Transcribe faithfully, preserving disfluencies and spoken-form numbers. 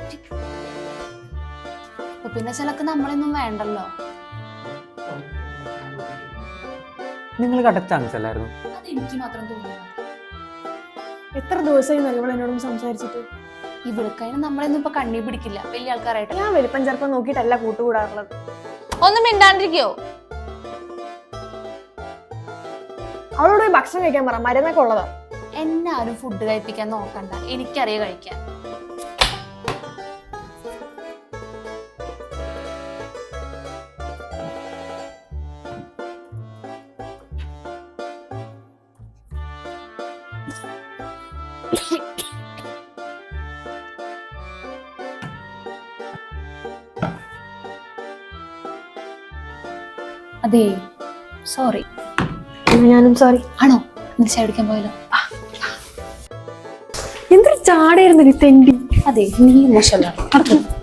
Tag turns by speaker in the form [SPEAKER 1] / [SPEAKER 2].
[SPEAKER 1] പിന്നെ ചിലക്ക് നമ്മളൊന്നും വേണ്ടല്ലോ.
[SPEAKER 2] നിങ്ങൾ കട്ട ചാൻസ് അല്ലായിരുന്നു.
[SPEAKER 1] അത് എനിക്ക് മാത്രം തോന്നിയത്.
[SPEAKER 3] എത്ര ദിവസമായി നമ്മൾ എന്നോടും സംസാരിച്ചിട്ട്.
[SPEAKER 1] ഇവിടുക്കതിന് നമ്മളൊന്നും ഇപ്പൊ കണ്ണി പിടിക്കില്ല വലിയ ആൾക്കാരായിട്ട്.
[SPEAKER 3] ഞാൻ വലിപ്പം ചെറുപ്പം നോക്കിയിട്ടല്ല കൂട്ടുകൂടാറുള്ളത്.
[SPEAKER 1] ഒന്നും മിണ്ടാണ്ടിരിക്കോ?
[SPEAKER 3] അവളോട് പോയി ഭക്ഷണം കഴിക്കാൻ പറ, മരുന്നൊക്കെ ഉള്ളതാ.
[SPEAKER 1] എന്നെ ആരും ഫുഡ് കഴിപ്പിക്കാൻ നോക്കണ്ട, എനിക്കറിയാം കഴിക്കാൻ. അതെ, സോറി.
[SPEAKER 3] ഞാനും സോറി.
[SPEAKER 1] ആണോ? നീ ചായ കുടിക്കാൻ പോയല്ലോ.
[SPEAKER 3] എന്തൊരു ചാടായിരുന്നു തെണ്ടി.
[SPEAKER 1] അതെ, നീ മോശമല്ല.